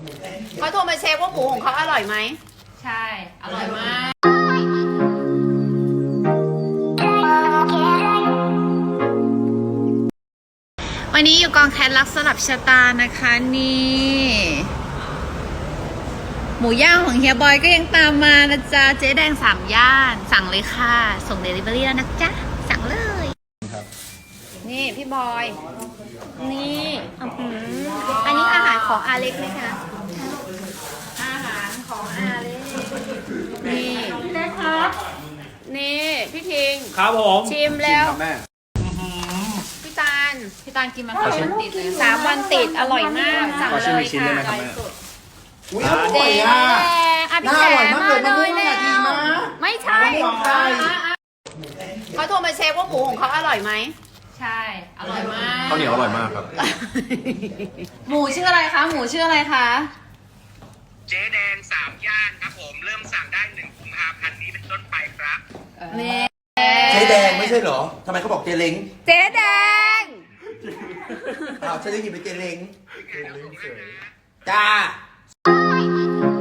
เขาโทรมาเช็คว่าหมูของเขาอร่อยไหมใช่อร่อยมากวันนี้อยู่กองแคทรักสลับชะตานะคะนี่หมูย่างของเฮียบอยก็ยังตามมานะจ๊ะเจ๊แดง3 ย่านสั่งเลยค่ะส่งเดลิเวอรี่แล้วนะจ๊ะสั่งเลยนี่พี่บอยนี่อันนี้อาหารของอาเล็กไหมคะอาหารของอาเล็กนี่พี่เล็กครับนี่พี่ทิงครับผมชิมแล้วแม่พี่ตาลกินมา3 วันติดเลย 3 วันติดอร่อยมากสั่งเลยค่ะอร่อยสุดเจ๊แดงพี่แจ๋มาเลยแล้วไม่ใช่เขาโทรมาเช็คว่าหมูของเขาอร่อยไหมใช่อร่อยมากข้าวเหนียวอร่อยมากครับหมูชื่ออะไรคะหมูชื่ออะไรคะเจ๊แดง3 ย่านครับผมเริ่มสั่งได้1 กุมภาพันธ์นี้เป็นต้นไปครับเจ๊แดงไม่ใช่เหรอทำไมเขาบอกเจ๊เล้งเจ๊แดงอ้าวฉันได้ยินเป็นเจ๊เล้งจ้า